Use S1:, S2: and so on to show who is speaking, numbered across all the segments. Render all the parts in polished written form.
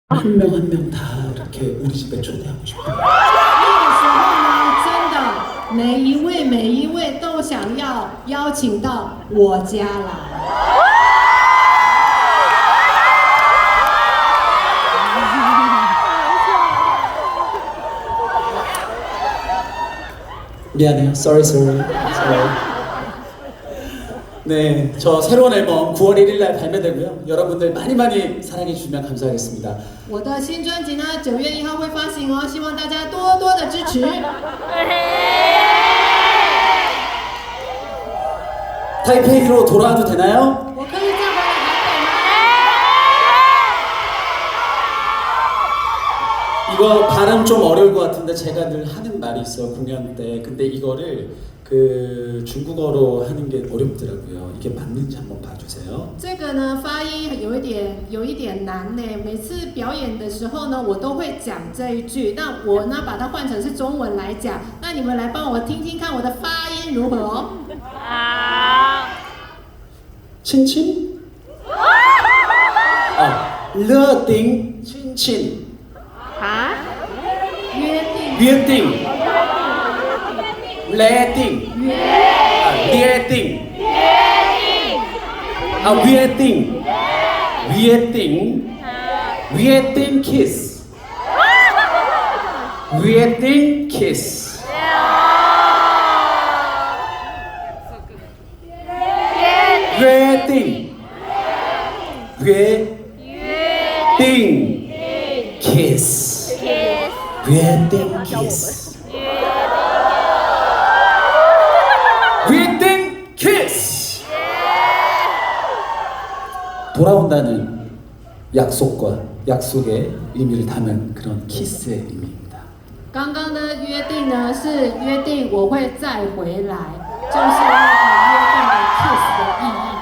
S1: 한 명 한 명 다 이렇게 우리 집에 초대하고 싶어요.
S2: 那个时候呢，真的每一位都想要邀请到我家来。
S1: 미안해요. Sorry. 네, 저 새로운 앨범 9월 1일날 발매되고요. 여러분들 많이 사랑해 주시면 감사하겠습니다.
S2: 我的新专辑呢，9月1号会发行哦，希望大家多多的支持。
S1: 타이페이로 돌아와도 되나요?
S2: 我可以再回来台北吗？
S1: 이거 발음 좀 어려울 것 같은데 제가 늘 하는 말이 있어요, 공연 때. 근데 이거를 그 중국어로 하는 게 어렵더라고요. 이게 맞는지 한번 봐주세요.
S2: 这个呢，发音有一点难呢。每次表演的时候呢，我都会讲这一句。那我呢，把它换成是中文来讲。那你们来帮我听听看我的发音如何哦。
S1: 친친? 러띵 친친
S2: 约定
S1: 뷰팅 레띵 리에띵 위에띵 키스 위에띵 키스 웨딩 키스 웨딩 키스 웨딩 키스 돌아온다는 약속의 의미를 담은 그런 키스의 의미입니다.
S2: 刚刚的约定呢，是约定我会再回来，就是那个约定的 kiss 的意义。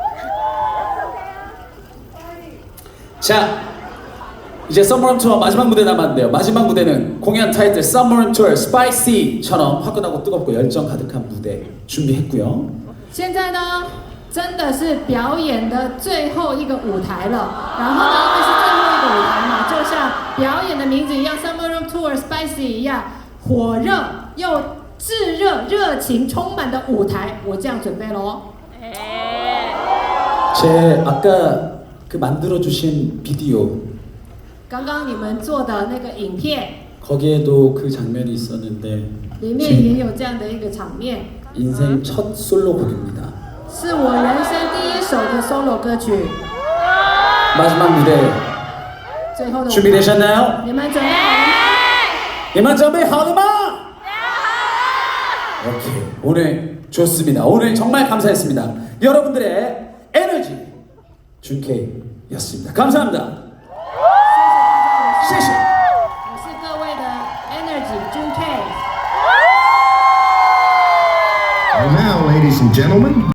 S1: 자, 이제 썸머룸 투어 마지막 무대 남았는데요. 마지막 무대는 공연 타이틀 썸머룸 투어 스파이시처럼 화끈하고 뜨겁고 열정 가득한 무대 준비했고요.
S2: 现在呢，真的是表演的最后一个舞台了。然后呢，因为是最后一个舞台嘛，就像表演的名字一样 ，Summer Room Tour Spicy 一样，火热又炙热、热情充满的舞台，我这样准备喽。
S1: 제 아까 그 만들어주신 비디오
S2: 刚刚你们做的那个影片
S1: 거기에도 그 장면이 있었는데
S2: 里面也有这样的一个场面，
S1: 인생 첫 솔로곡입니다.
S2: 是我人生第一首的 solo 歌曲。
S1: 마지막 무대
S2: 最后的舞台
S1: 준비되셨나요?
S2: 你们准备好了吗？
S1: 이만 준비하더마? 오케이, 오늘 좋습니다. 오늘 정말 감사했습니다. 여러분들의 에너지 준케이였습니다. 감사합니다. 谢谢。
S2: 我是各位的 Energy Jun K。
S3: And now, ladies and gentlemen,